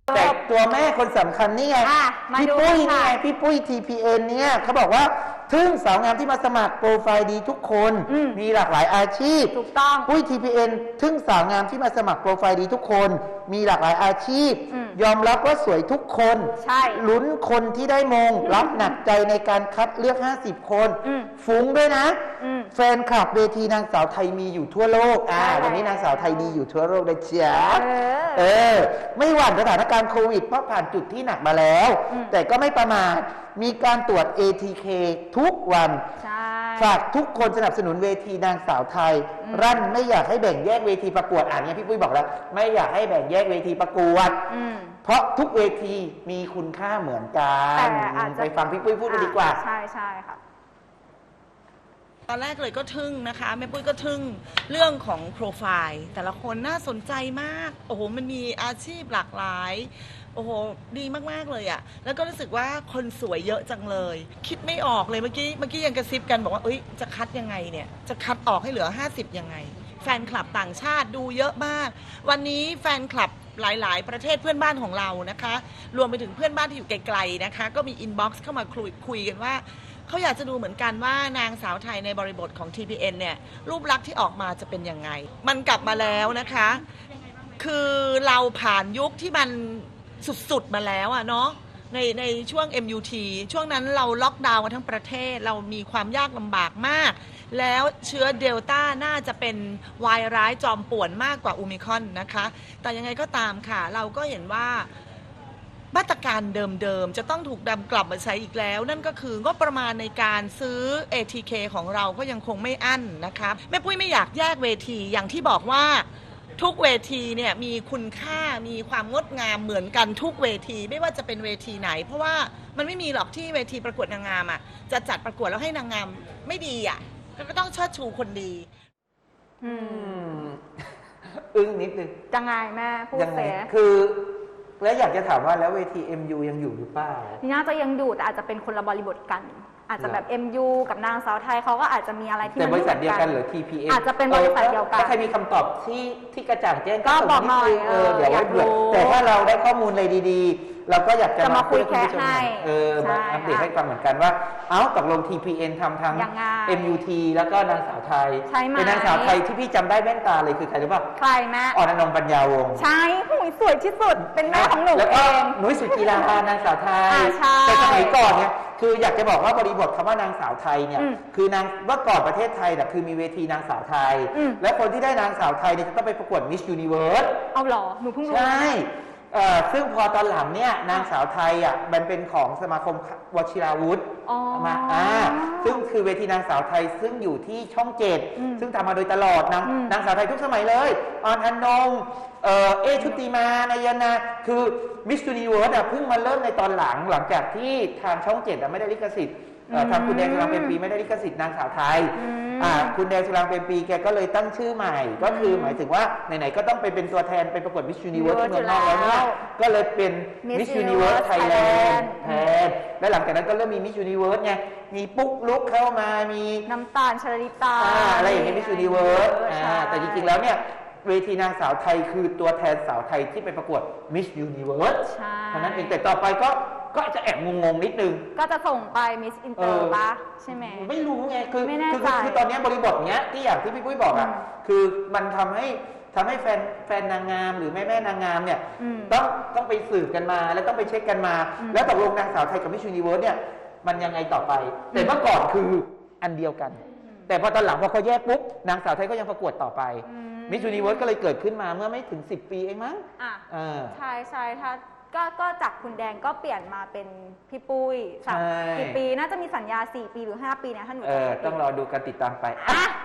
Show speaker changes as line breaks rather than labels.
แต่ตัวแม่คนสำคัญนี่ไงพี่ปุ้ยนี่ไงพี่ปุ้ย TPN เนี่ยเขาบอกว่าทึ่งสาวงามที่มาสมัครโปรไฟล์ดีทุกคนมีหลากหลายอาชีพ
ถูกต้อง
ปุ้ย TPN ทึ่งสาวงามที่มาสมัครโปรไฟล์ดีทุกคนมีหลากหลายอาชีพยอมรับว่าสวยทุกคน
ใช่
ลุ้นคนที่ได้มงรับหนักใจในการคัดเลือก50คนฟุ้งด้วยนะแฟนคลับเวทีนางสาวไทยมีอยู่ทั่วโลกวันนี้นางสาวไทยดีอยู่ทั่วโลกนะจ๊ะไม่หวั่นสถานการณ์โควิดเพราะผ่านจุดที่หนักมาแล้วแต่ก็ไม่ประมาทมีการตรวจ ATK ทุกวันฝากทุกคนสนับสนุนเวทีนางสาวไทยรั่นไม่อยากให้แบ่งแยกเวทีประกวดเนี่ยพี่ปุ้ยบอกแล้วไม่อยากให้แบ่งแยกเวทีประกวดเพราะทุกเวทีมีคุณค่าเหมือนกันไปฟังพี่ปุ้ยพูดกันดีกว่า
ใช่ใช่ค่ะ
ตอนแรกเลยก็ทึ่งนะคะแม่ปุ้ยก็ทึ่งเรื่องของโปรไฟล์แต่ละคนน่าสนใจมากโอ้โหมันมีอาชีพหลากหลายโอ้โหดีมากๆเลยอะแล้วก็รู้สึกว่าคนสวยเยอะจังเลยคิดไม่ออกเลยเมื่อกี้ยังกระซิบกันบอกว่าเอ้ยจะคัดยังไงเนี่ยจะคัดออกให้เหลือ50ยังไงแฟนคลับต่างชาติดูเยอะมากวันนี้แฟนคลับหลายๆประเทศเพื่อนบ้านของเรานะคะรวมไปถึงเพื่อนบ้านที่อยู่ไกลๆนะคะก็มีอินบ็อกซ์เข้ามาคุยกันว่าเขาอยากจะดูเหมือนกันว่านางสาวไทยในบริบทของ TPN เนี่ยรูปลักษณ์ที่ออกมาจะเป็นยังไงมันกลับมาแล้วนะคะคือเราผ่านยุคที่มันสุดๆมาแล้วอะเนาะในช่วง MUT ช่วงนั้นเราล็อกดาวน์กันทั้งประเทศเรามีความยากลำบากมากแล้วเชื้อเดลต้าน่าจะเป็นวายร้ายจอมป่วนมากกว่าโอมิครอนนะคะแต่ยังไงก็ตามค่ะเราก็เห็นว่ามาตรการเดิมๆจะต้องถูกนำกลับมาใช้อีกแล้วนั่นก็คืองบประมาณในการซื้อ ATK ของเราก็ยังคงไม่อั้นนะคะแม่ปุ้ยไม่อยากแยกเวทีอย่างที่บอกว่าทุกเวทีเนี่ยมีคุณค่ามีความงดงามเหมือนกันทุกเวทีไม่ว่าจะเป็นเวทีไหนเพราะว่ามันไม่มีหรอกที่เวทีประกวดนางงามอ่ะจะจัดประกวดแล้วให้นางงามไม่ดีอ่ะก็ต้องเชิดชูคนดี
อึ้งนิดนึง
จังไงแม่พูดเสีย
คือแล้วอยากจะถามว่าแล้วเวที MU ยังอยู่หรือเปล่า
น่าจะยังอยู่แต่อาจจะเป็นคนละบริบทกันอาจจะแบบ MU กับนางสาวไทยเขาก็อาจจะมีอะไรที่
แต่บริษัทเดียวกันหรือ TPN
อาจจะเป็นบริษัทเดียวกัน
ถ้าใครมีคำตอบที่กระจ่างแจ้ง
ก็บอกหน่อย
เดี๋ยวไว้เผื่อแต่ถ้าเราได้ข้อมูลอะไรดีๆเราก็อยากจะ
มาคุยแค่ให้
มาอัปเดตให้ฟังเหมือนกันว่าตกลง TPN ทำทั้ง MUT แล้วก็นางสาวไทยเป็นนางสาวไทยที่พี่จำได้แว่นตาเลยคือใครรู้ป่ะ
ใครแม่
อ่อนอนงปัญญาวงศ์
ใช่หุยสวยที่สุดเป็นแม่ของหนู
แล้วก็นุ้ยสุจิรานางสาวไทยแต่สมัยก่อนเนี่ยคืออยากจะบอกว่าบริบทคำว่านางสาวไทยเนี่ยคือนางเมื่อก่อนประเทศไทยคือมีเวทีนางสาวไทยและคนที่ได้นางสาวไทยเนี่ยจะต้องไปประกวด Miss Universe
เอาหรอหนูเพิ่งรู้
ใช่ซึ่งพอตอนหลังเนี่ยนางสาวไทยมันเป็นของสมาคมวชิราวุธมาซึ่งคือเวทีนางสาวไทยซึ่งอยู่ที่ช่อง7ซึ่งทำมาโดยตลอดนางสาวไทยทุกสมัยเลยออนอนงชุติมานายนาคือมิสยูนิเวิร์สเพิ่งมาเริ่มในตอนหลังจากที่ทางช่อง7ไม่ได้ลิขสิทธิ์ทางคุณแดงสุรางเป็นปีไม่ได้ลิขสิทธิ์นางสาวไทยคุณแดงสุรางเป็นปีแกก็เลยตั้งชื่อใหม่ก็คือหมายถึงว่าไหนๆก็ต้องไปเป็นตัวแทนไปประกวดมิสยูนิเวิร์สที่เมืองนอกแล้วเนี่ยก็เลยเป็นมิสยูนิเวิร์สไทยแลนด์แทนและหลังจากนั้นก็เริ่มมีมิสยูนิเวิร์สไงมีปุ๊กลุกเข้ามามี
น้ำตาลชลิตา
อะไรอย่างนี้มิสยูนิเวิร์สแต่จริงๆแล้วเนี่ยเวทีนางสาวไทยคือตัวแทนสาวไทยที่ไปประกวด Miss Universe เพราะนั้นเองแต่ต่อไปก็จะแอบงงนิดนึง
ก็จะส่งไป Miss Inter ป่ะใช่ไหม
ไม่รู้ไงคือตอนนี้บริบทเนี้ยที่อย่างที่พี่ปุ้ยบอกคือมันทำให้แฟนนางงามหรือแม่นางงามเนี่ยต้องไปสืบกันมาแล้วต้องไปเช็คกันมาแล้วตกลงนางสาวไทยกับ Miss Universe เนี่ยมันยังไงต่อไปแต่เมื่อก่อนคืออันเดียวกันแต่พอตอนหลังพอเขาแยกปุ๊บนางสาวไทยก็ยังประกวดต่อไปมิสยูนิเวิร์สก็เลยเกิดขึ้นมาเมื่อไม่ถึง10 ปีเองมั้ง
ใช่ถ้าก็จากคุณแดงก็เปลี่ยนมาเป็นพี่ปุ้ยกี่ปีน่าจะมีสัญญา4 ปีหรือ5 ปีนะท่านหนู
ต้องรอดูกันติดตามไป